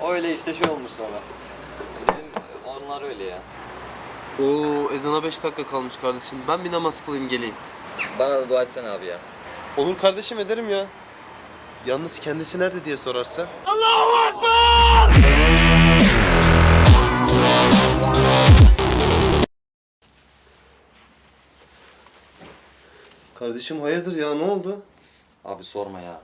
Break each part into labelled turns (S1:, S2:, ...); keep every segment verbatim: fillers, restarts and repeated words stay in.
S1: Öyle işte şey olmuş sonra. Bizim onlar öyle ya.
S2: Oo, ezana beş dakika kalmış kardeşim. Ben bir namaz kılayım geleyim.
S1: Bana da dua etsene abi ya.
S2: Olur kardeşim, ederim ya. Yalnız kendisi nerede diye sorarsa. Kardeşim hayırdır ya, ne oldu?
S1: Abi sorma ya.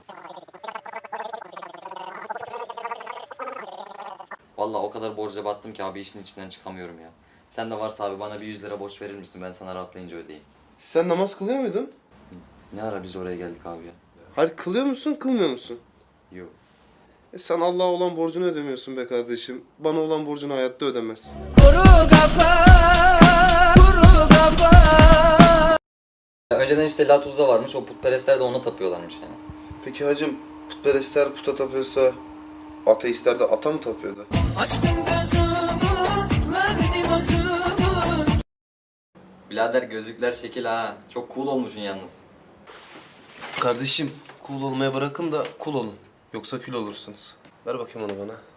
S1: Vallahi o kadar borca battım ki abi işin içinden çıkamıyorum ya. Sen de varsa abi bana bir yüz lira borç verir misin? Ben sana rahatlayınca ödeyeyim.
S2: Sen namaz kılıyor muydun?
S1: Ne ara biz oraya geldik abi ya?
S2: Hayır, kılıyor musun, kılmıyor musun?
S1: Yok.
S2: E sen Allah'a olan borcunu ödemiyorsun be kardeşim. Bana olan borcunu hayatta ödemezsin.
S3: Kuru kafa, kuru kafa.
S1: Önceden işte Latuz'da varmış, o putperestler de ona tapıyorlarmış yani.
S2: Peki hacım, putperestler puta tapıyorsa ateistler de ata mı tapıyordu?
S3: Açtım gözümü, verdim acımı.
S1: Birader gözlükler şekil ha. Çok cool olmuşsun yalnız.
S2: Kardeşim, cool olmaya bırakın da cool olun. Yoksa kül olursunuz. Ver bakayım onu bana.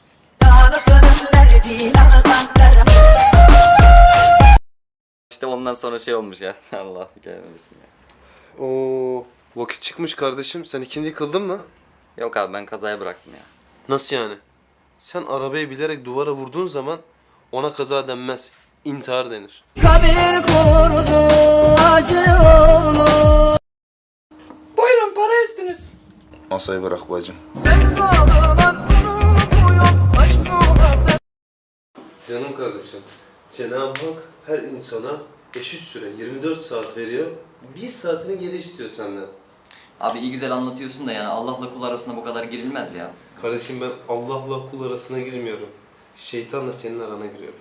S1: İşte ondan sonra şey olmuş ya. Allah gelmesin ya.
S2: Oo, vakit çıkmış kardeşim. Sen ikindi kıldın mı?
S1: Yok abi ben kazaya bıraktım ya.
S2: Nasıl yani? Sen arabayı bilerek duvara vurduğun zaman ona kaza denmez. İntihar denir.
S3: Kabir kurdu, acı olur.
S1: Buyurun para üstünüz.
S2: Masayı bırak bacım.
S3: Sevdalılar unutmuyor, aşk muhabbet.
S2: Canım kardeşim, Cenab-ı Hak her insana eşit süre yirmi dört saat veriyor. Bir saatini geri istiyor senden.
S1: Abi iyi güzel anlatıyorsun da yani Allah'la kul arasında bu kadar girilmez ya.
S2: Kardeşim ben Allah'la kul arasına girmiyorum. Şeytanla senin arana giriyorum.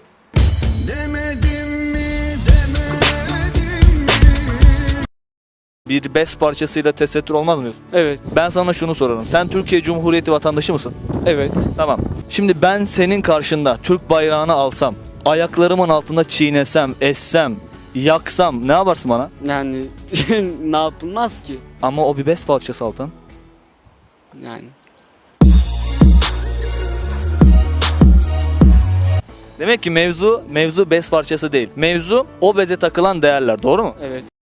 S4: Bir bes parçasıyla tesettür olmaz mıyız?
S5: Evet,
S4: Ben sana şunu sorarım. Sen Türkiye Cumhuriyeti vatandaşı mısın?
S5: evet.
S4: Tamam. Şimdi ben senin karşında Türk bayrağını alsam, ayaklarımın altında çiğnesem, essem, yaksam ne yaparsın bana?
S5: Yani ne yapılmaz ki?
S4: Ama o bir bes parçası Altan.
S5: Yani
S4: Demek ki mevzu, mevzu bes parçası değil. Mevzu o beze takılan değerler, doğru mu?
S5: evet.